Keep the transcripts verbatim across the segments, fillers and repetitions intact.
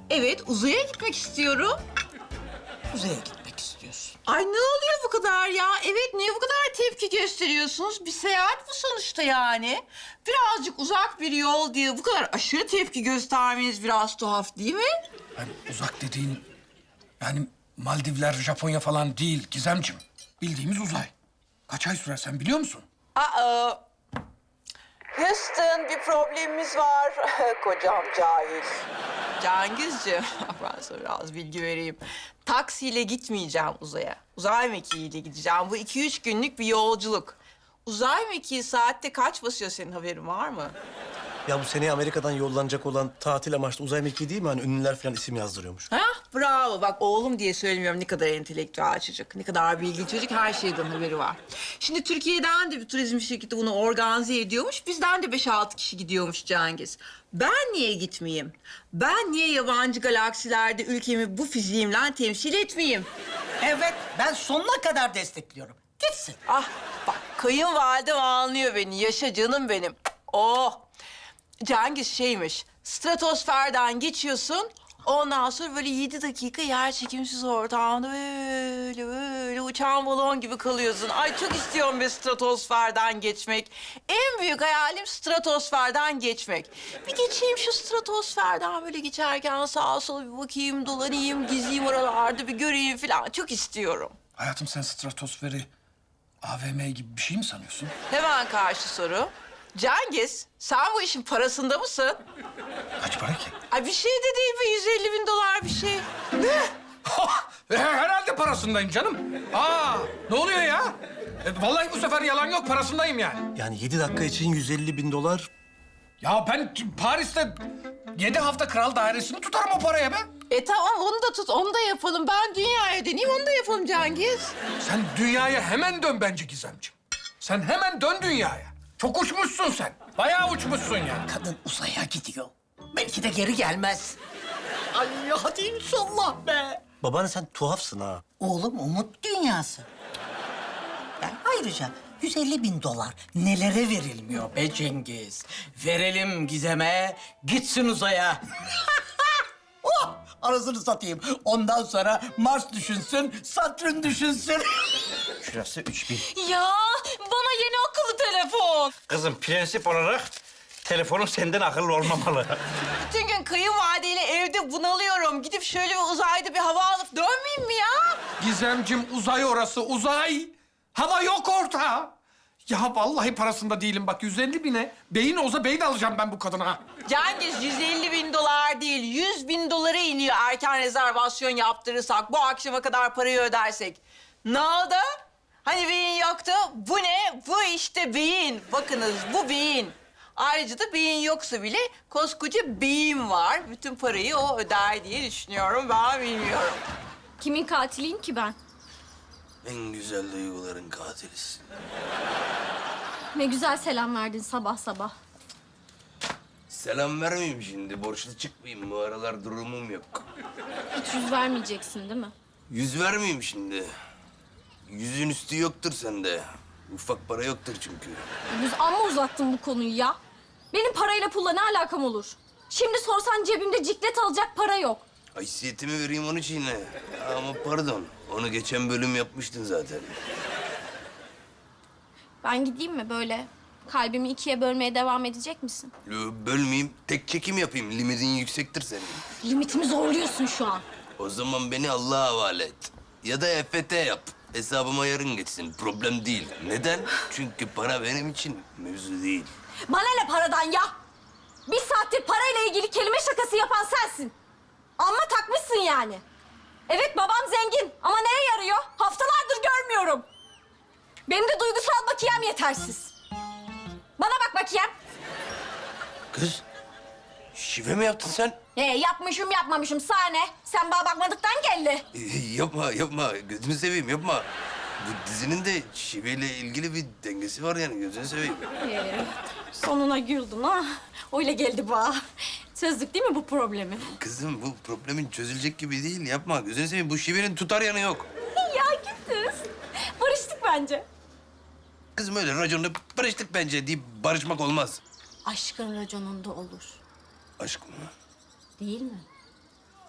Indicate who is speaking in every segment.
Speaker 1: Evet, uzaya gitmek istiyorum.
Speaker 2: Uzaya gitmek istiyorsun.
Speaker 1: Ay ne oluyor bu kadar ya? Evet, niye bu kadar tepki gösteriyorsunuz? Bir seyahat bu sonuçta yani. Birazcık uzak bir yol diye bu kadar aşırı tepki göstermeniz biraz tuhaf değil mi?
Speaker 3: Yani uzak dediğin yani Maldivler, Japonya falan değil Gizemciğim. Bildiğimiz uzay. Kaç ay sürer sen biliyor musun?
Speaker 1: Aa, Houston bir problemimiz var. Kocam cahil. Cengizciğim, ben sana biraz bilgi vereyim. Taksiyle gitmeyeceğim uzaya. Uzay mekiğiyle gideceğim. Bu iki üç günlük bir yolculuk. Uzay mekiği saatte kaç basıyor, senin haberin var mı?
Speaker 4: Ya bu seneye Amerika'dan yollanacak olan tatil amaçlı uzay mekiği değil mi? Hani ünlüler falan isim yazdırıyormuş.
Speaker 1: Ha, bravo. Bak oğlum diye söylemiyorum, ne kadar entelektüel çocuk, ne kadar bilgi çocuk, her şeyden haberi var. Şimdi Türkiye'den de bir turizm şirketi bunu organize ediyormuş. Bizden de beş altı kişi gidiyormuş Cengiz. Ben niye gitmeyeyim? Ben niye yabancı galaksilerde ülkemi bu fiziğimle temsil etmeyeyim?
Speaker 2: Evet, ben sonuna kadar destekliyorum. Gitsin.
Speaker 1: Ah bak, kayınvalidem anlıyor beni. Yaşa canım benim. Oh. Cengiz şeymiş, stratosferden geçiyorsun. Ondan sonra böyle yedi dakika yer çekimsiz ortamda böyle böyle uçan balon gibi kalıyorsun. Ay çok istiyorum bir stratosferden geçmek. En büyük hayalim stratosferden geçmek. Bir geçeyim şu stratosferden, böyle geçerken sağa sola bir bakayım, dolanayım, gezeyim oralarda, bir göreyim falan. Çok istiyorum.
Speaker 3: Hayatım sen stratosferi A V M gibi bir şey mi sanıyorsun?
Speaker 1: Hemen karşı soru. Cengiz, sen bu işin parasında mısın?
Speaker 3: Kaç para ki?
Speaker 1: Ay bir şey de değil be, yüz elli bin dolar bir şey.
Speaker 3: Ne? Herhalde parasındayım canım. Aa, ne oluyor ya? E, vallahi bu sefer yalan yok, parasındayım yani.
Speaker 4: Yani yedi dakika için yüz elli bin dolar.
Speaker 3: Ya ben Paris'te yedi hafta kral dairesini tutarım o paraya be.
Speaker 1: E tamam, onu da tut, onu da yapalım. Ben dünyaya döneyim, onu da yapalım Cengiz.
Speaker 3: Sen dünyaya hemen dön bence Gizemciğim. Sen hemen dön dünyaya. Çok uçmuşsun sen. Bayağı uçmuşsun yani.
Speaker 2: Kadın uzaya gidiyor. Belki de geri gelmez. Ay hadi inşallah be.
Speaker 4: Babaanne sen tuhafsın ha.
Speaker 2: Oğlum umut dünyası. Yani ayrıca yüz elli bin dolar nelere verilmiyor be Cengiz? Verelim Gizem'e, gitsin uzaya. Oh, arasını satayım. Ondan sonra Mars düşünsün, Satürn düşünsün.
Speaker 5: Şurası üç bin.
Speaker 1: Ya bana yeni akıllı telefon.
Speaker 5: Kızım prensip olarak telefonun senden akıllı olmamalı.
Speaker 1: Bütün gün kayınvalideyle evde bunalıyorum. Gidip şöyle bir uzayda bir hava alıp dönmeyeyim mi ya?
Speaker 3: Gizemciğim uzay orası, uzay. Hava yok orta. Ya vallahi parasında değilim bak, yüz elli bine beyin olsa beyin alacağım ben bu kadına.
Speaker 1: Cengiz, yüz elli bin dolar değil, yüz bin dolara iniyor erken rezervasyon yaptırırsak, bu akşama kadar parayı ödersek. Ne oldu? Hani beyin yoktu? Bu ne? Bu işte beyin. Bakınız, bu beyin. Ayrıca da beyin yoksa bile koskoca beyin var. Bütün parayı o öder diye düşünüyorum. Ben bilmiyorum.
Speaker 6: Kimin katiliyim ki ben?
Speaker 4: En güzel duyguların katilisin.
Speaker 6: Ne güzel selam verdin sabah sabah.
Speaker 7: Selam vermeyeyim şimdi. Borçlu çıkmayayım. Bu aralar durumum yok.
Speaker 6: Hiç yüz vermeyeceksin değil mi?
Speaker 7: Yüz vermeyeyim şimdi. Yüzün üstü yoktur sende. Ufak para yoktur çünkü.
Speaker 6: Yüz amma uzattın bu konuyu ya. Benim parayla pulla ne alakam olur? Şimdi sorsan cebimde ciklet alacak para yok.
Speaker 7: Haysiyetimi vereyim onun için yine. Ama pardon. Onu geçen bölüm yapmıştın zaten.
Speaker 6: Ben gideyim mi böyle? Kalbimi ikiye bölmeye devam edecek misin?
Speaker 7: Yo, bölmeyeyim. Tek çekim yapayım. Limitin yüksektir senin.
Speaker 6: Limitimi zorluyorsun şu an.
Speaker 7: O zaman beni Allah'a havale et. Ya da E F T yap. Hesabıma yarın geçsin. Problem değil. Neden? Çünkü para benim için mevzu değil.
Speaker 6: Bana ne paradan ya? Bir saattir parayla ilgili kelime şakası yapan sensin. Amma takmışsın yani. Evet babam zengin ama neye yarıyor? Haftalardır görmüyorum. Benim de duygusal bakiyem yetersiz. Bana bak bakiyem.
Speaker 7: Kız, şive mi yaptın sen?
Speaker 6: Ee, yapmışım yapmamışım sana ne? Sen bana bakmadıktan geldi.
Speaker 7: Ee, yapma, yapma. Gözünü seveyim, yapma. Bu dizinin de şiveyle ilgili bir dengesi var yani. Gözünü seveyim.
Speaker 6: Ee, sonuna güldün ha. Öyle geldi bana. Çözdük değil mi bu problemi?
Speaker 7: Kızım bu problemin çözülecek gibi değil. Yapma. Gözünü seveyim. Bu şivenin tutar yanı yok.
Speaker 6: Ya gittiniz. Barıştık bence.
Speaker 7: Kızım öyle raconla barıştık bence deyip barışmak olmaz.
Speaker 6: Aşkın raconunda olur.
Speaker 7: Aşk mı?
Speaker 6: Değil mi?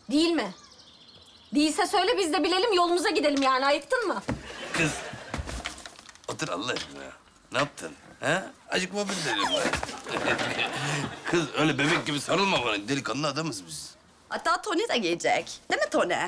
Speaker 6: Değil mi? Değilse söyle biz de bilelim yolumuza gidelim yani ayıktın mı?
Speaker 7: Kız, otur Allah aşkına. Ne yaptın? Ha? Acık muhabbet edelim. Kız öyle bebek gibi sarılma bana. Delikanlı adamız biz.
Speaker 8: Hatta Tony de gelecek. Değil mi Tony?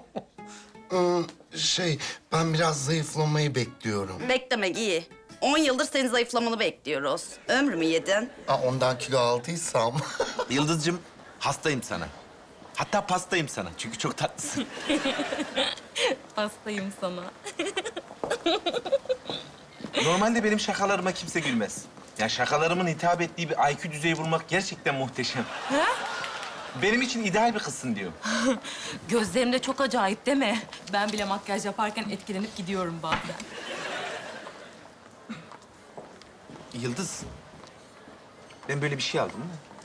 Speaker 9: Şey, ben biraz zayıflamayı bekliyorum.
Speaker 8: Beklemek iyi. On yıldır senin zayıflamanı bekliyoruz. Ömrümü yedin.
Speaker 9: Aa, ondan kilo aldıysam.
Speaker 10: Yıldız'cığım hastayım sana. Hatta pastayım sana çünkü çok tatlısın.
Speaker 6: Hastayım sana.
Speaker 10: Normalde benim şakalarıma kimse gülmez. Ya şakalarımın hitap ettiği bir I Q düzeyi bulmak gerçekten muhteşem. Benim için ideal bir kızsın diyorum.
Speaker 11: Gözlerim de çok acayip değil mi? Ben bile makyaj yaparken etkilenip gidiyorum bazen.
Speaker 10: Yıldız, ben böyle bir şey aldım mı?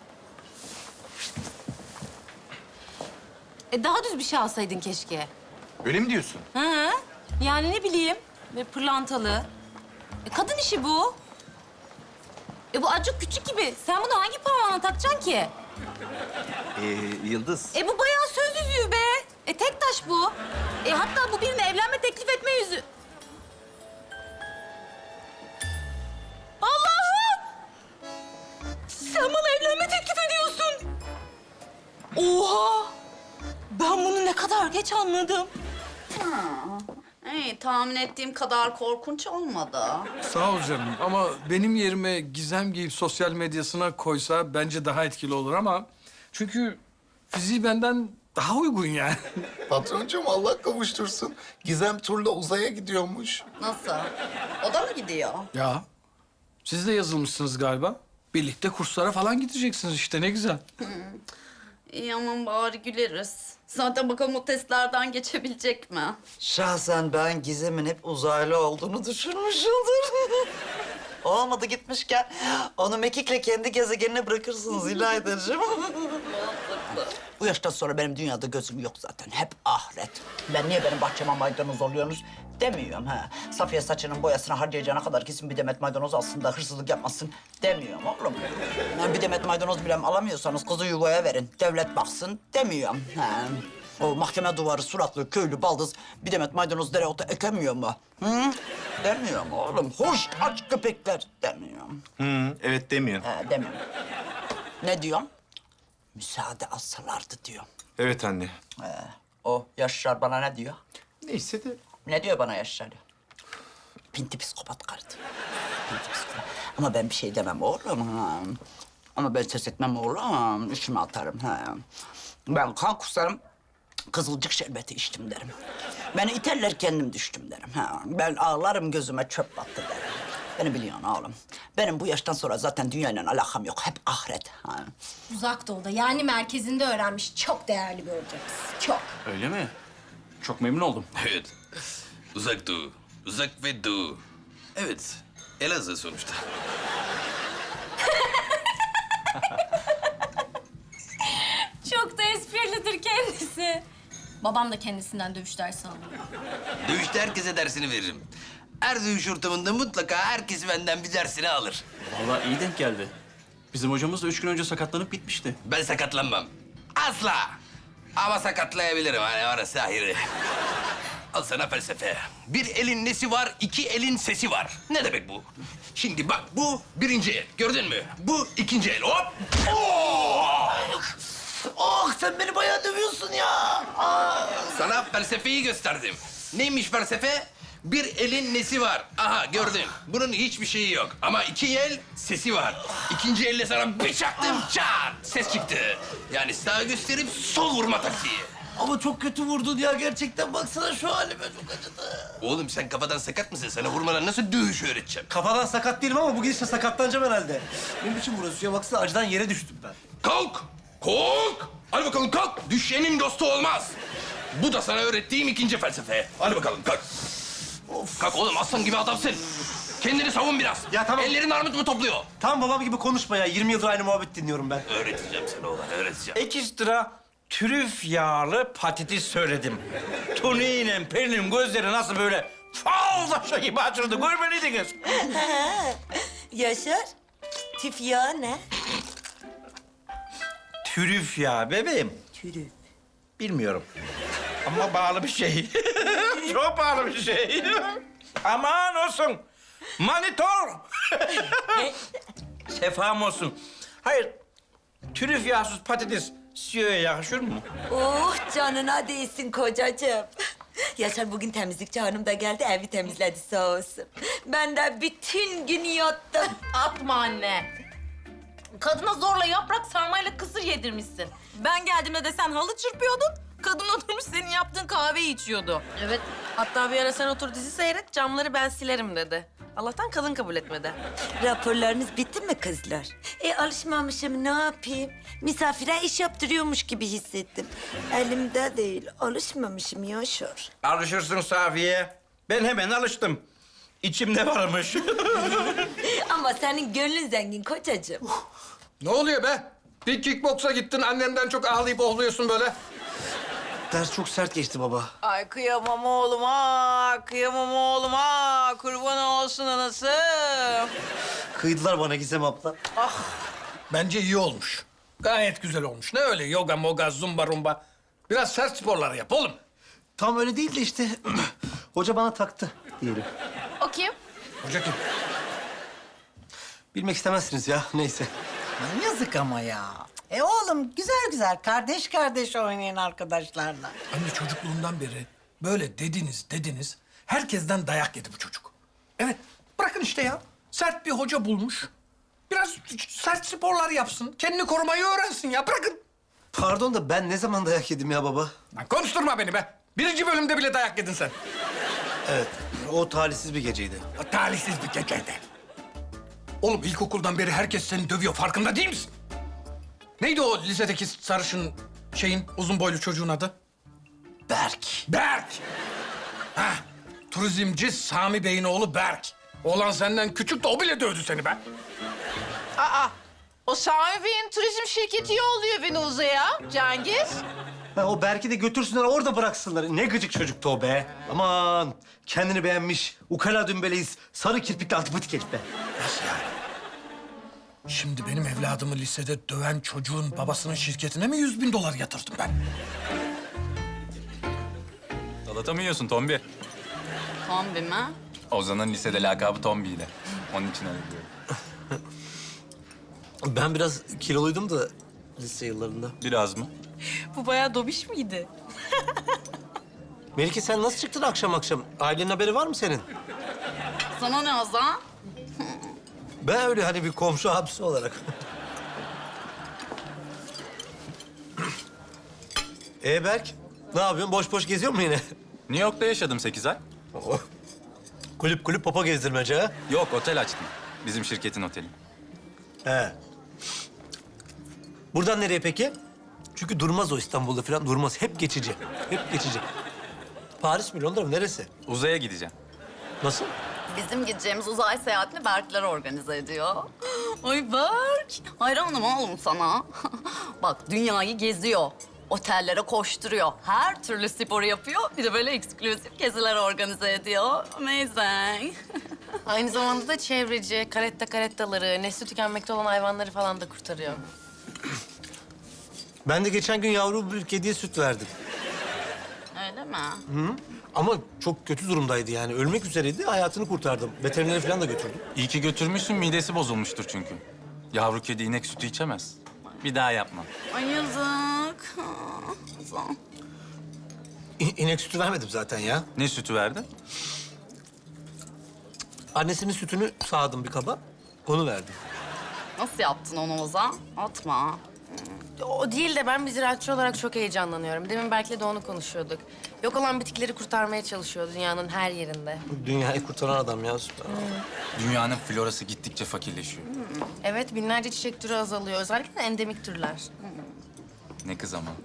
Speaker 11: E daha düz bir şey alsaydın keşke.
Speaker 10: Öyle mi diyorsun?
Speaker 11: Hı hı. Yani ne bileyim, böyle pırlantalı. E kadın işi bu. E bu acık küçük gibi. Sen bunu hangi parmağına takacaksın ki?
Speaker 10: Ee, Yıldız,
Speaker 11: E bu bayağı söz yüzüğü be. E tek taş bu. E hatta bu birine evlenme teklif etme yüzüğü. Allah'ım! Sen bana evlenme teklif ediyorsun. Oha! Ben bunu ne kadar geç anladım.
Speaker 8: Hey, tahmin ettiğim kadar korkunç olmadı.
Speaker 3: Sağ ol canım ama benim yerime Gizem giyip sosyal medyasına koysa bence daha etkili olur ama... Çünkü fiziği benden daha uygun yani.
Speaker 9: Patroncuğum Allah kavuştursun. Gizem turla uzaya gidiyormuş.
Speaker 8: Nasıl? O da mı gidiyor?
Speaker 3: Ya siz de yazılmışsınız galiba. Birlikte kurslara falan gideceksiniz işte ne güzel.
Speaker 8: İyi aman bari güleriz. Zaten bakalım o testlerden geçebilecek mi?
Speaker 2: Şahsen ben Gizem'in hep uzaylı olduğunu düşünmüşümdür. Olmadı gitmişken onu mekikle kendi gezegenine bırakırsınız İlaydacığım. Bu yaştan sonra benim dünyada gözüm yok zaten. Hep ahiret. Ben niye benim bahçeme maydanoz oluyorsunuz demiyorum ha. Safiye saçının boyasına harcayacağına kadar kesin bir demet maydanoz alsın da hırsızlık yapmasın demiyorum oğlum. Yani bir demet maydanoz bile alamıyorsanız kızı yuvaya verin. Devlet baksın demiyorum. Ha. O mahkeme duvarı suratlı köylü baldız bir demet maydanoz dereotu ekemiyor mu? Hı? Demiyorum oğlum. Hoş aç köpekler demiyorum.
Speaker 10: Hı, evet demiyor.
Speaker 2: Ha, demiyorum. Ne diyorum? Müsaade alsalardı diyorum.
Speaker 10: Evet anne.
Speaker 2: Ee, o Yaşar bana ne diyor?
Speaker 10: Neyse de
Speaker 2: Ne diyor bana Yaşar? Pinti psikopat kardı. Pinti psikopat. Ama ben bir şey demem oğlum. Ha. Ama ben ses etmem oğlum. İçime atarım. Ha. Ben kan kusarım. Kızılcık şerbeti içtim derim. Beni iterler kendim düştüm derim. Ha. Ben ağlarım gözüme çöp battı derim. Beni biliyorsun oğlum. Benim bu yaştan sonra zaten dünyayla alakam yok. Hep ahiret. Ha.
Speaker 6: Uzak doğuda yani merkezinde öğrenmiş çok değerli bir hocamız. Çok.
Speaker 5: Öyle mi? Çok memnun oldum.
Speaker 7: Evet. Uzak doğu. Uzak ve doğu. Evet. Elazığ sonuçta.
Speaker 6: Çok da esprilidir kendisi. Babam da kendisinden dövüş dersi alıyor.
Speaker 7: Dövüşte herkese dersini veririm. Her dövüş ortamında mutlaka herkes benden bir dersini alır.
Speaker 5: Vallahi iyi denk geldi. Bizim hocamız da üç gün önce sakatlanıp bitmişti.
Speaker 7: Ben sakatlanmam. Asla. Ama sakatlayabilirim. Hani orası ayrı. Al sana felsefe. Bir elin nesi var, iki elin sesi var. Ne demek bu? Şimdi bak bu birinci el. Gördün mü? Bu ikinci el. Hop! Oh!
Speaker 2: Oh sen beni bayağı dövüyorsun ya. Aa.
Speaker 7: Sana felsefeyi gösterdim. Neymiş felsefe? Bir elin nesi var? Aha gördün. Bunun hiçbir şeyi yok. Ama iki el sesi var. İkinci elle sana bir çaktım çat ses çıktı. Yani sağ gösterip sol vurma taktiği.
Speaker 2: Ama çok kötü vurdun ya gerçekten. Baksana şu halime çok acıdı.
Speaker 7: Oğlum sen kafadan sakat mısın? Sana vurmadan nasıl dövüş öğreteceğim?
Speaker 4: Kafadan sakat değilim ama bu gidişle sakatlanacağım herhalde. Ne biçim vuruyorsun ya? Baksana acıdan yere düştüm ben.
Speaker 7: Kalk! Kalk! Hadi bakalım kalk. Düşenin dostu olmaz. Bu da sana öğrettiğim ikinci felsefe. Hadi bakalım kalk. Of. Kalk oğlum aslan gibi adamsın. Kendini savun biraz.
Speaker 4: Ya tamam.
Speaker 7: Ellerin armut mu topluyor?
Speaker 4: Tam babam gibi konuşma ya. yirmi yıldır aynı muhabbet dinliyorum ben.
Speaker 7: Öğreteceğim sana oğlan, öğreteceğim.
Speaker 5: Ekstra trüf yağlı patates söyledim. Tony ile Pelin'in gözleri nasıl böyle fal taşı gibi açıldı görmeliydiniz.
Speaker 12: Yaşar, tif yağı ne?
Speaker 5: Trüf yağı bebeğim.
Speaker 12: Türüf.
Speaker 5: Bilmiyorum. Ama bağlı bir şey. Çok bağlı bir şey. Aman olsun. Manitol. Sefam olsun. Hayır, trüf yağsız patates C E O'ya yakışır mı?
Speaker 12: Oh canına değsin kocacığım. Yaşar bugün temizlikçi hanım da geldi, evi temizledi sağ olsun. Ben de bütün gün yattım.
Speaker 11: Atma anne. Kadına zorla yaprak sarmayla kısır yedirmişsin. Ben geldiğimde de sen halı çırpıyordun. Kadın oturmuş senin yaptığın kahveyi içiyordu.
Speaker 13: Evet. Hatta bir ara sen otur dizi seyret, camları ben silerim dedi. Allah'tan kadın kabul etmedi.
Speaker 12: Raporlarınız bitti mi kızlar? E alışmamışım, ne yapayım? Misafire iş yaptırıyormuş gibi hissettim. Elimde değil, alışmamışım Yaşar.
Speaker 5: Alışırsın Safiye. Ben hemen alıştım. İçimde varmış.
Speaker 12: Ama senin gönlün zengin kocacığım.
Speaker 3: Ne oluyor be? Bir kickboksa gittin, annenden çok ağlayıp ohluyorsun böyle.
Speaker 4: Ders çok sert geçti baba.
Speaker 1: Ay kıyamam oğluma, kıyamam oğluma. Kurban olsun anası.
Speaker 4: Kıydılar bana Gizem abla.
Speaker 3: Bence iyi olmuş. Gayet güzel olmuş. Ne öyle yoga, moga, zumba, rumba. Biraz sert sporlar yap oğlum.
Speaker 4: Tam öyle değil de işte hoca bana taktı diyelim.
Speaker 11: O kim?
Speaker 3: Hoca kim?
Speaker 4: Bilmek istemezsiniz ya, neyse.
Speaker 2: Yazık ama ya. E oğlum güzel güzel kardeş kardeş oynayın arkadaşlarla.
Speaker 3: Anne çocukluğundan beri böyle dediniz dediniz. Herkesten dayak yedi bu çocuk. Evet, bırakın işte ya. Sert bir hoca bulmuş. Biraz sert sporlar yapsın. Kendini korumayı öğrensin ya, bırakın.
Speaker 4: Pardon da ben ne zaman dayak yedim ya baba?
Speaker 3: Lan konuşturma beni be. Birinci bölümde bile dayak yedin sen.
Speaker 4: Evet, o talihsiz bir geceydi.
Speaker 3: O talihsiz bir geceydi. Oğlum ilkokuldan beri herkes seni dövüyor, farkında değil misin? Neydi o lisedeki sarışın şeyin, uzun boylu çocuğun adı?
Speaker 4: Berk.
Speaker 3: Berk! Ha, turizmci Sami Bey'in oğlu Berk. Oğlan senden küçük de o bile dövdü seni be.
Speaker 1: Aa, o Sami Bey'in turizm şirketi yolluyor beni uzaya Cengiz.
Speaker 4: Ha, o Berk'i de götürsünler, orada bıraksınlar. Ne gıcık çocuktu o be. Aman, kendini beğenmiş, ukala dümbeleyiz, sarı kirpikli antipatik herif be.
Speaker 3: Nasıl yani? Şimdi benim evladımı lisede döven çocuğun babasının şirketine mi yüz bin dolar yatırdım ben?
Speaker 14: Salata mı yiyorsun Tombi?
Speaker 8: Tombi mi?
Speaker 14: Ozan'ın lisede lakabı Tombi'ydi. Onun için öyle diyorum.
Speaker 4: Ben biraz kiloluydum da lise yıllarında.
Speaker 14: Biraz mı?
Speaker 13: Bu bayağı dobiş miydi?
Speaker 4: Melike sen nasıl çıktın akşam akşam? Ailenin haberi var mı senin?
Speaker 8: Sana ne Ozan?
Speaker 4: Ben öyle hani bir komşu abisi olarak. Ee Berk, ne yapıyorsun? Boş boş geziyor mu yine?
Speaker 14: New York'ta yaşadım sekiz ay.
Speaker 4: Oh. Kulüp kulüp papa gezdirmece ha?
Speaker 14: Yok, otel açtım. Bizim şirketin oteli.
Speaker 4: He. Buradan nereye peki? Çünkü durmaz o İstanbul'da falan, durmaz. Hep geçici, hep geçici. Paris mi, Londra mı, neresi?
Speaker 14: Uzaya gideceğim.
Speaker 4: Nasıl?
Speaker 8: Bizim gideceğimiz uzay seyahatini Berkler organize ediyor. Ay Berk, hayranım oğlum sana. Bak dünyayı geziyor, otellere koşturuyor, her türlü sporu yapıyor. Bir de böyle eksklusif geziler organize ediyor. Amazing.
Speaker 13: Aynı zamanda da çevreci, karetta karettaları, nesli tükenmekte olan hayvanları falan da kurtarıyor.
Speaker 4: Ben de geçen gün yavru bir kediye süt verdim.
Speaker 8: Öyle mi?
Speaker 4: Hı? Ama çok kötü durumdaydı yani. Ölmek üzereydi, hayatını kurtardım. Veterinere falan da götürdüm.
Speaker 14: İyi ki götürmüşsün, midesi bozulmuştur çünkü. Yavru kedi inek sütü içemez. Bir daha yapma.
Speaker 8: Ay yazık. Ozan.
Speaker 4: İ- inek sütü vermedim zaten ya.
Speaker 14: Ne sütü verdin?
Speaker 4: Annesinin sütünü sağdım bir kaba, onu verdim.
Speaker 8: Nasıl yaptın onu Ozan? Atma.
Speaker 13: O değil de ben bir ziraatçı olarak çok heyecanlanıyorum. Demin Berk'le de onu konuşuyorduk. Yok olan bitkileri kurtarmaya çalışıyor dünyanın her yerinde.
Speaker 4: Dünyayı kurtaran adam ya, süper.
Speaker 14: Dünyanın florası gittikçe fakirleşiyor.
Speaker 13: Evet, binlerce çiçek türü azalıyor. Özellikle endemik türler.
Speaker 14: Ne kız ama.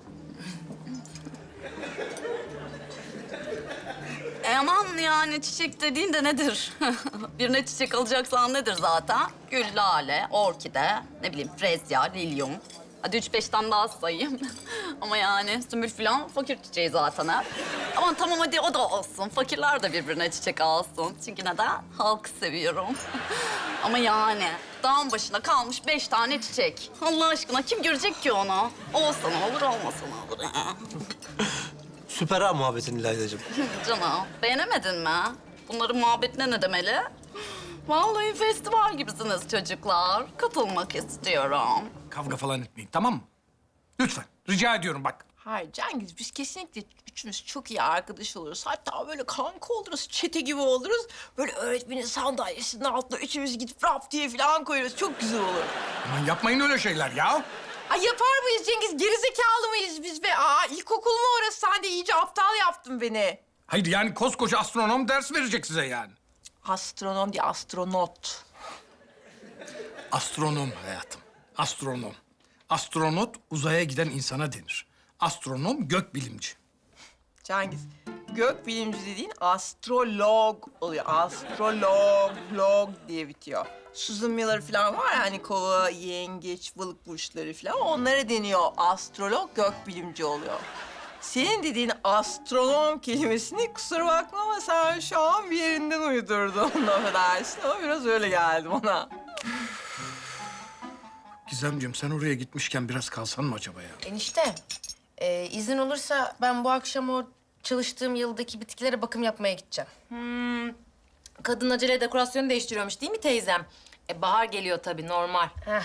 Speaker 8: E aman yani çiçek dediğin de nedir? Birine çiçek alacaksan nedir zaten? Gül, lale, orkide, ne bileyim frezya, lilyum. Hadi üç beş tane daha sayayım. Ama yani sümbül falan fakir çiçeği zaten ha. Aman tamam hadi o da olsun. Fakirler de birbirine çiçek alsın. Çünkü neden? Halkı seviyorum. Ama yani dağın başına kalmış beş tane çiçek. Allah aşkına kim görecek ki onu? Olsa ne olur, olmasa ne olur ya.
Speaker 4: Süper ha muhabbetin İlaydacığım.
Speaker 8: Canım, beğenemedin mi? Bunların muhabbetine ne demeli? Vallahi festival gibisiniz çocuklar. Katılmak istiyorum.
Speaker 3: Kavga falan etmeyin, tamam mı? Lütfen, rica ediyorum bak.
Speaker 1: Hayır Cengiz, biz kesinlikle üçümüz çok iyi arkadaş oluruz. Hatta böyle kanka oluruz, çete gibi oluruz. Böyle öğretmenin sandalyesinin altına üçümüz gidip rap diye falan koyarız. Çok güzel olur.
Speaker 3: Aman yapmayın öyle şeyler ya.
Speaker 1: Ay yapar mıyız Cengiz? Gerizekalı mıyız biz be? Aa, ilkokul mu orası? Sen de iyice aptal yaptın beni.
Speaker 3: Hayır yani koskoca astronom ders verecek size yani.
Speaker 1: Astronom değil, astronot.
Speaker 3: Astronom hayatım, astronom. Astronot uzaya giden insana denir. Astronom gökbilimci.
Speaker 1: Cengiz, gök bilimci dediğin astrolog oluyor. Astrolog, log diye bitiyor. Susan Miller falan var ya hani kova, yengeç, balık burçları falan. Onlara deniyor. Astrolog gök bilimci oluyor. Senin dediğin astronom kelimesini kusura bakma ama sen şu an bir yerinden uydurdun. Affedersin ama biraz öyle geldi bana.
Speaker 3: Gizemciğim sen oraya gitmişken biraz kalsan mı acaba ya?
Speaker 13: Enişte, e, izin olursa ben bu akşam o çalıştığım yıldaki bitkilere bakım yapmaya gideceğim.
Speaker 11: Hmm. Kadın acele dekorasyonu değiştiriyormuş değil mi teyzem? E, bahar geliyor tabii, normal.
Speaker 13: Heh.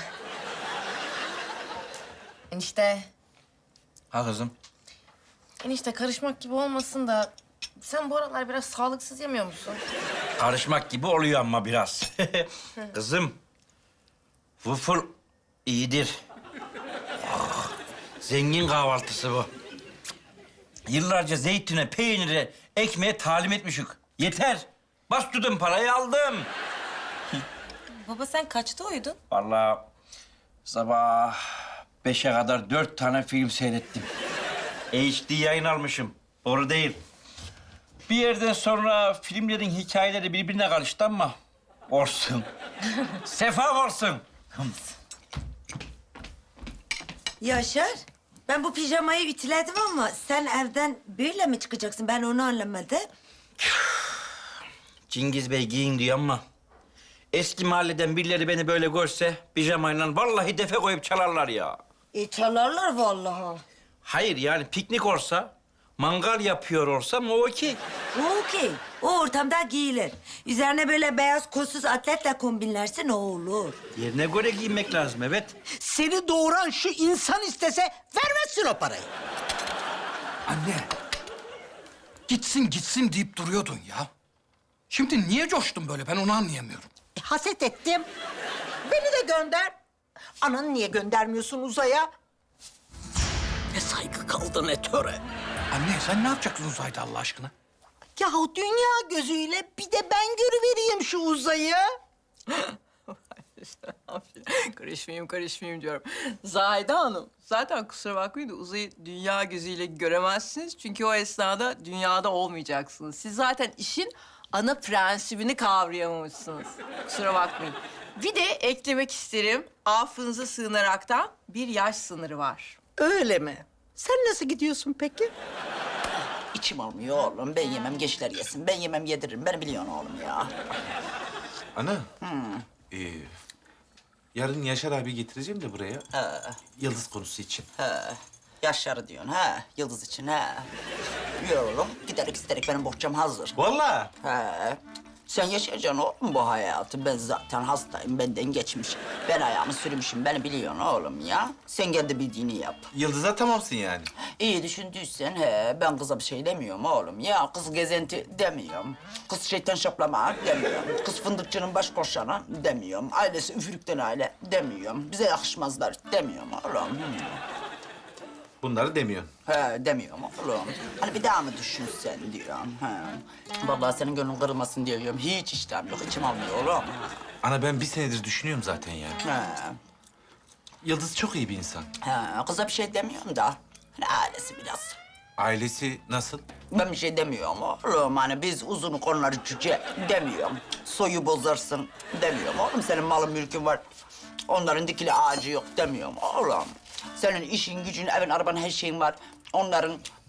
Speaker 13: Enişte,
Speaker 5: Ha kızım.
Speaker 13: enişte karışmak gibi olmasın da sen bu aralar biraz sağlıksız yemiyor musun?
Speaker 5: Karışmak gibi oluyor ama biraz. Kızım, waffle iyidir. Ah, zengin kahvaltısı bu. Yıllarca zeytine, peynire, ekmeğe talim etmişik. Yeter. Bastırdım parayı aldım.
Speaker 11: Baba sen kaçta uyudun?
Speaker 5: Vallahi sabah beşe kadar dört tane film seyrettim. H D yayın almışım. Doğru değil. Bir yerden sonra filmlerin hikayeleri birbirine karıştı ama olsun. Sefa olsun.
Speaker 12: Yaşar, ben bu pijamayı ütüledim ama sen evden böyle mi çıkacaksın? Ben onu anlamadım.
Speaker 5: Cengiz Bey giyin diyor ama eski mahalleden birileri beni böyle görse pijamayla vallahi defe koyup çalarlar ya.
Speaker 12: E çalarlar vallahi.
Speaker 5: Hayır yani piknik olsa, mangal yapıyor olsam o okey.
Speaker 12: O okey. O ortamda giyilir. Üzerine böyle beyaz kolsuz atletle kombinlersin o olur.
Speaker 5: Yerine göre giyinmek lazım evet.
Speaker 2: Seni doğuran şu insan istese vermezsin o parayı.
Speaker 3: Anne, gitsin gitsin deyip duruyordun ya. Şimdi niye coştun böyle ben onu anlayamıyorum.
Speaker 2: E, haset ettim. Beni de gönder. Ananı niye göndermiyorsun uzaya? Ne saygı kaldı ne töre.
Speaker 3: Anne sen ne yapacaksın uzayda Allah aşkına?
Speaker 2: Yahu dünya gözüyle bir de ben görüvereyim şu uzayı.
Speaker 1: Karışmayayım, karışmayayım diyorum. Zahide Hanım, zaten kusura bakmayın da uzayı dünya gözüyle göremezsiniz. Çünkü o esnada dünyada olmayacaksınız. Siz zaten işin ana prensibini kavrayamamışsınız. Kusura bakmayın. Bir de eklemek isterim, affınıza sığınaraktan bir yaş sınırı var.
Speaker 2: Öyle mi? Sen nasıl gidiyorsun peki?
Speaker 15: İçim olmuyor oğlum. Ben yemem, gençler yesin. Ben yemem, yediririm. Beni biliyorsun oğlum ya.
Speaker 10: Ana.
Speaker 15: Hmm.
Speaker 10: Ee, yarın Yaşar abi getireceğim de buraya.
Speaker 15: He.
Speaker 10: Yıldız konusu için.
Speaker 15: He. Yaşar'ı diyorsun ha. Yıldız için ha. Yürü oğlum. Giderek isterek benim bohçam hazır.
Speaker 10: Vallahi.
Speaker 15: He. Sen yaşayacaksın oğlum bu hayatı. Ben zaten hastayım. Benden geçmiş. Ben ayağımı sürmüşüm. Beni biliyorsun oğlum ya. Sen kendi bildiğini yap.
Speaker 10: Yıldız'a tamamsın yani.
Speaker 15: İyi düşündüysen he. Ben kıza bir şey demiyorum oğlum ya. Kız gezenti demiyorum. Kız şeytan şaplama demiyorum. Kız fındıkçının baş koşanı demiyorum. Ailesi üfürükten aile demiyorum. Bize yakışmazlar demiyorum oğlum. Hmm.
Speaker 10: Bunları demiyorsun.
Speaker 15: He demiyorum oğlum. Hani bir daha mı düşünsen diyorum. He. Vallahi senin gönlün kırılmasın diyorum. Hiç iştahım yok. İçim almıyor oğlum.
Speaker 10: Ana ben bir senedir düşünüyorum zaten ya.
Speaker 15: He.
Speaker 10: Yıldız çok iyi bir insan.
Speaker 15: He. Kıza bir şey demiyorum da. Hani ailesi biraz.
Speaker 10: Ailesi nasıl?
Speaker 15: Ben bir şey demiyorum oğlum. Hani biz uzunu konuları cüce demiyorum. Soyu bozarsın demiyorum oğlum. Senin malın mülkün var. Onların dikili ağacı yok demiyorum oğlum. Senin işin, gücün, evin, araban, her şeyin var. Onların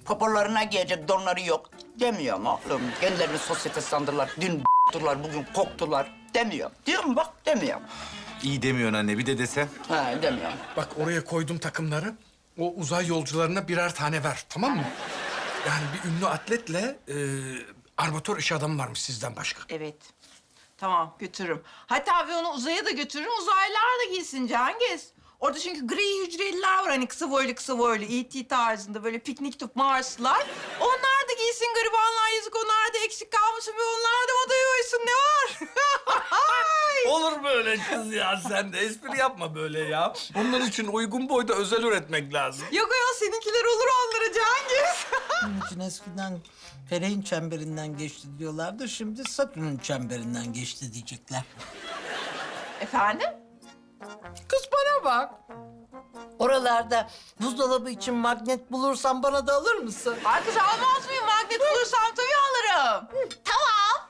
Speaker 15: Popolarına giyecek donları yok demiyorum oğlum. Kendilerini sosyete sandırlar. Dün b***durlar, bugün koktular demiyorum. Diyorum bak demiyorum.
Speaker 10: İyi demiyorsun anne, bir de desen.
Speaker 15: Ha demiyorum.
Speaker 3: Bak oraya koydum takımları. O uzay yolcularına birer tane ver, tamam mı? Yani bir ünlü atletle e, armatör iş adamı varmış sizden başka.
Speaker 1: Evet. Tamam, götürürüm. Hatta ve onu uzaya da götürürüm. Uzaylılar da giysin Cengiz. Orada çünkü gri hücreliler var hani kısa boylu kısa boylu E T tarzında böyle piknik tüp Marslılar. Onlar da giysin garibanlar yazık onlar da eksik kalmasın ve onlar da odaya uysun ne var?
Speaker 3: Olur böyle kız ya sen de espri yapma böyle ya. Onlar için uygun boyda özel üretmek lazım.
Speaker 1: Yok ya seninkiler olur onlara Cengiz.
Speaker 2: Bunun için eskiden Feleğin çemberinden geçti diyorlardı. Şimdi Satürn'ün çemberinden geçti diyecekler.
Speaker 1: Efendim?
Speaker 2: Kız bana bak. Oralarda buzdolabı için magnet bulursan bana da alır mısın?
Speaker 1: Ay kız almaz mıyım? Magnet bulursam tabii alırım. Tamam.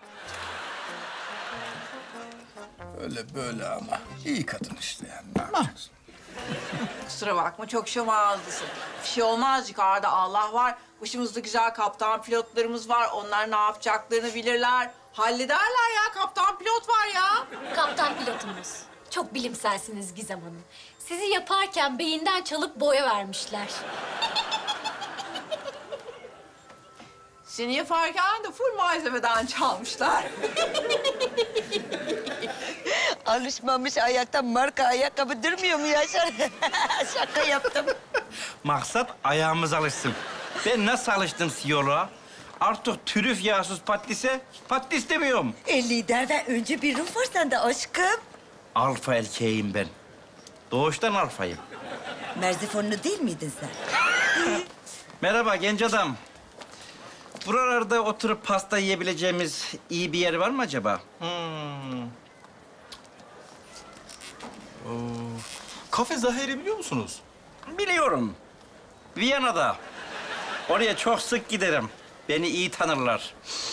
Speaker 3: Öyle böyle ama iyi kadın işte yani. Ne yapacaksın?
Speaker 1: Kusura bakma çok şomağızlısın. Bir şey olmaz yukarıda Allah var. Başımızda güzel kaptan pilotlarımız var. Onlar ne yapacaklarını bilirler. Hallederler ya kaptan pilot var ya.
Speaker 6: Kaptan pilotumuz. Çok bilimselsiniz Gizem Hanım. Sizi yaparken beyinden çalıp boya vermişler.
Speaker 1: Seni yaparken de full malzemeden çalmışlar.
Speaker 12: Alışmamış ayakta marka ayakkabı durmuyor mu Yaşar? Şaka yaptım.
Speaker 5: Maksat ayağımız alışsın. Ben nasıl alıştım siyoloğa? Artık trüf yağsız patlise patlis demiyorum.
Speaker 12: E, liderden önce bir ruh var sende aşkım.
Speaker 5: Alfa erkeğim ben. Doğuştan alfayım.
Speaker 12: Merzifonlu değil miydin sen?
Speaker 5: Merhaba genç adam. Buralarda oturup pasta yiyebileceğimiz iyi bir yer var mı acaba? Hmm.
Speaker 10: Kafe Zahir'i biliyor musunuz?
Speaker 5: Biliyorum. Viyana'da. Oraya çok sık giderim. Beni iyi tanırlar.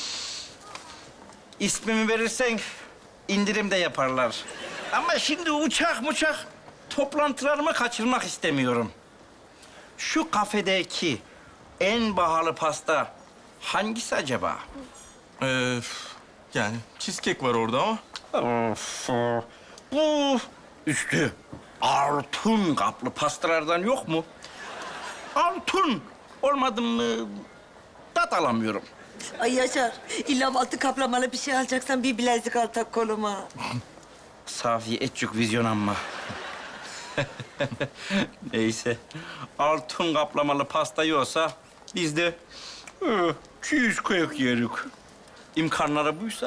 Speaker 5: İsmimi verirsen indirim de yaparlar. Ama şimdi uçak muçak toplantılarımı kaçırmak istemiyorum. Şu kafedeki en pahalı pasta hangisi acaba?
Speaker 10: Ee, yani cheesecake var orada ama.
Speaker 5: Of, bu üstü altın kaplı pastalardan yok mu? Altın olmadı mı tat alamıyorum.
Speaker 12: Ay Yaşar, illa altı kaplamalı bir şey alacaksan bir bilezik al tak koluma.
Speaker 5: Safiye etçük vizyon amma. Neyse. Altın kaplamalı pasta yiyorsa biz de hı, cheesecake yerik. İmkanları buysa.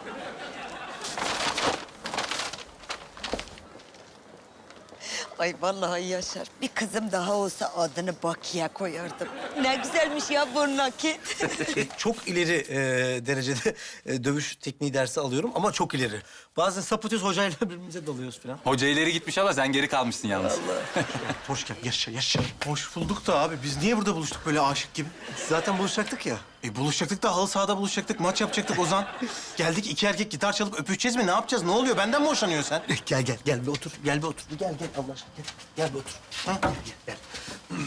Speaker 12: Ay vallahi Yaşar, bir kızım daha olsa adını Bakiye koyardım. Ne güzelmiş ya bu nakit.
Speaker 4: Çok ileri e, derecede e, dövüş tekniği dersi alıyorum ama çok ileri. Bazen sapıtıyoruz hocayla birbirimize dalıyoruz falan.
Speaker 14: Hoca ileri gitmiş ama sen geri kalmışsın yalnız.
Speaker 4: Hoş geldin. Yaşa, yaşa.
Speaker 9: Hoş bulduk da abi biz niye burada buluştuk böyle aşık gibi?
Speaker 4: Zaten buluşacaktık ya.
Speaker 9: E buluşacaktık da halı sahada buluşacaktık, maç yapacaktık Ozan. Geldik iki erkek gitar çalıp öpüşeceğiz mi? Ne yapacağız? Ne oluyor? Benden mi hoşlanıyorsun sen?
Speaker 4: Gel gel gel bir otur. Gel bir otur. Gel gel Allah aşkına gel. Gel bir otur. Ha? Gel gel. gel.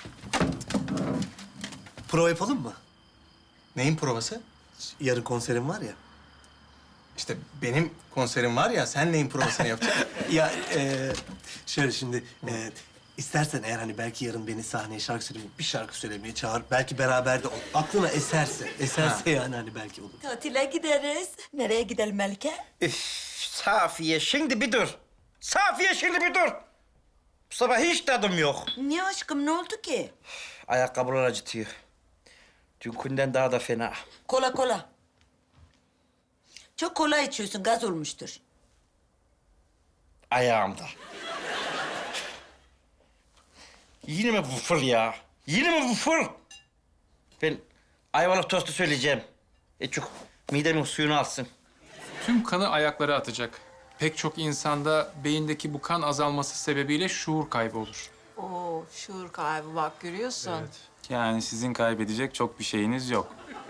Speaker 4: Prova yapalım mı?
Speaker 9: Neyin provası?
Speaker 4: Yarın konserim var ya.
Speaker 9: İşte benim konserim var ya, sen neyin provasını yapacaksın?
Speaker 4: Ya e, şöyle şimdi e, istersen eğer hani belki yarın beni sahneye şarkı söylemeye, bir şarkı söylemeye çağır. Belki beraber de ol. Aklına eserse, eserse yani hani belki olur.
Speaker 12: Tatile gideriz. Nereye gidelim Melike?
Speaker 5: Üf, Safiye şimdi bir dur. Safiye şimdi bir dur. Bu sabah hiç tadım yok.
Speaker 12: Niye aşkım, ne oldu ki?
Speaker 5: Ayakkabılar acıtıyor. Dünkünden daha da fena.
Speaker 12: Kola kola. Çok kola içiyorsun, gaz olmuştur.
Speaker 5: Ayağımda. Yine mi bu fır ya? Yine mi bu fır? Ben ayvalık tostu söyleyeceğim. Ecuk, midemin suyunu alsın.
Speaker 16: Tüm kanı ayaklara atacak. Pek çok insanda beyindeki bu kan azalması sebebiyle şuur kaybı olur.
Speaker 1: Oo şuur kaybı bak görüyorsun.
Speaker 14: Yani sizin kaybedecek çok bir şeyiniz yok.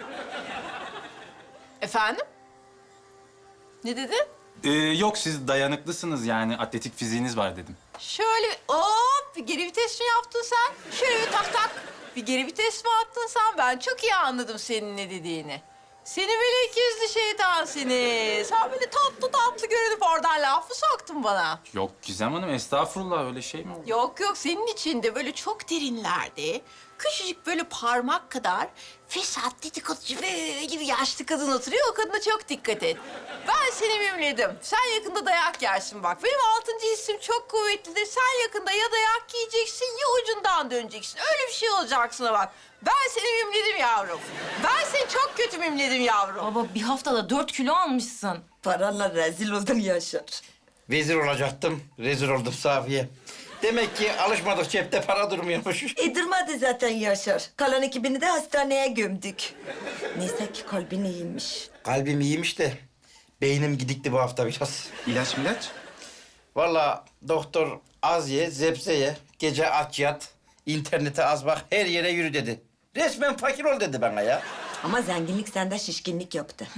Speaker 1: Efendim? Ne dedin?
Speaker 14: Ee, yok siz dayanıklısınız yani atletik fiziğiniz var dedim.
Speaker 1: Şöyle bir hop bir geri vites mi yaptın sen? Şöyle bir tak tak. Bir geri vites mi attın sen? Ben çok iyi anladım senin ne dediğini. Seni böyle ikizli şeytan seni. Sen böyle tatlı tatlı görünüp oradan laf mı soktun bana?
Speaker 14: Yok Gizem Hanım, estağfurullah, öyle şey mi olur?
Speaker 1: Yok yok, senin içinde böyle çok derinlerde, küçücük böyle parmak kadar fesat, dedikoducu böyle bir yaşlı kadın oturuyor. O kadına çok dikkat et. Ben seni mimledim. Sen yakında dayak yersin bak. Benim altıncı hissim çok kuvvetlidir. Sen yakında ya dayak yiyeceksin ya ucundan döneceksin. Öyle bir şey olacak sana bak. Ben seni mimledim yavrum. Ben seni çok kötü mimledim yavrum.
Speaker 11: Baba bir haftada dört kilo almışsın.
Speaker 12: Paranla rezil oldun Yaşar.
Speaker 5: Vezir olacaktım, rezil oldum Safiye. Demek ki alışmadık, cepte para durmuyormuş.
Speaker 12: E durmadı zaten Yaşar. Kalan ekibini de hastaneye gömdük. Neyse ki kalbin iyiymiş.
Speaker 5: Kalbim iyiymiş de beynim gidikti bu hafta biraz.
Speaker 9: İlaç milaç?
Speaker 5: Vallahi doktor az ye, zepse ye, gece aç yat, internete az bak, her yere yürü dedi. Resmen fakir ol dedi bana ya.
Speaker 12: Ama zenginlik sende şişkinlik yaptı.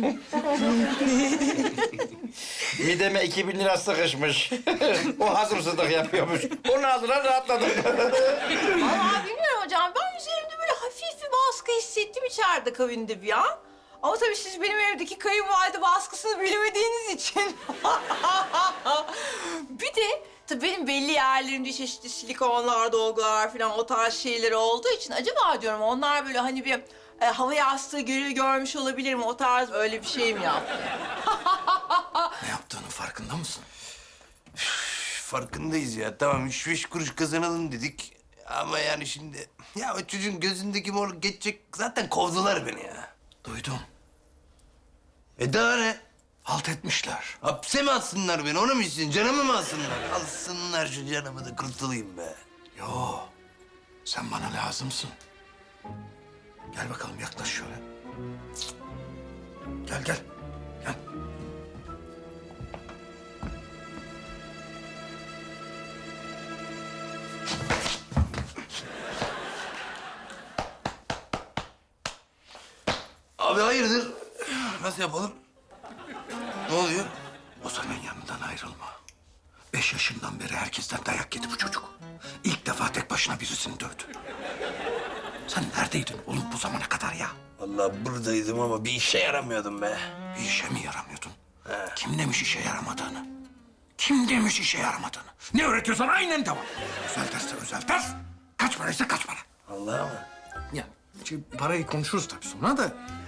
Speaker 5: Mideme iki bin lira sıkışmış. O hazımsızlık yapıyormuş. Onu aldılar, rahatladım.
Speaker 1: Vallahi bilmiyorum hocam. Ben üzerimde böyle hafif bir baskı hissettim içeride kabinde bir an. Ama tabii siz benim evdeki kayınvalide baskısını bilmediğiniz için. Bir de tabii benim belli yerlerimde çeşitli silikonlar, dolgular falan o tarz şeyler olduğu için acaba diyorum onlar böyle hani bir e, hava yastığı görü görmüş olabilir mi? O tarz öyle bir şey mi yaptı?
Speaker 3: Ne yaptığının farkında mısın?
Speaker 7: Farkındayız ya. Tamam üç beş kuruş kazanalım dedik. Ama yani şimdi... Ya o çocuğun gözündeki mor geçecek... Zaten kovdular beni ya.
Speaker 3: Duydum.
Speaker 7: E daha ne?
Speaker 3: Halt etmişler.
Speaker 7: Hapse mi atsınlar beni? Onu mu istiyorsun? Canımı mı alsınlar? Alsınlar şu canımı da kurtulayım be.
Speaker 3: Yo, sen bana lazımsın. Gel bakalım, yaklaş şöyle. Gel, gel. Gel.
Speaker 7: Abi hayırdır? Nasıl yapalım? Ne oluyor?
Speaker 3: Ozan'ın yanından ayrılma. Beş yaşından beri herkesten dayak yedi bu çocuk. İlk defa tek başına birisini dövdü. Sen neredeydin oğlum bu zamana kadar ya?
Speaker 7: Vallahi buradaydım ama bir işe yaramıyordum be.
Speaker 3: Bir işe mi yaramıyordun? Kim demiş işe yaramadığını? Kim demiş işe yaramadığını? Ne öğretiyorsan aynen devam. Özel derse özel ders. Kaç paraysa kaç para.
Speaker 7: Vallahi mı?
Speaker 3: Ya şey, parayı konuşuruz tabii sonra da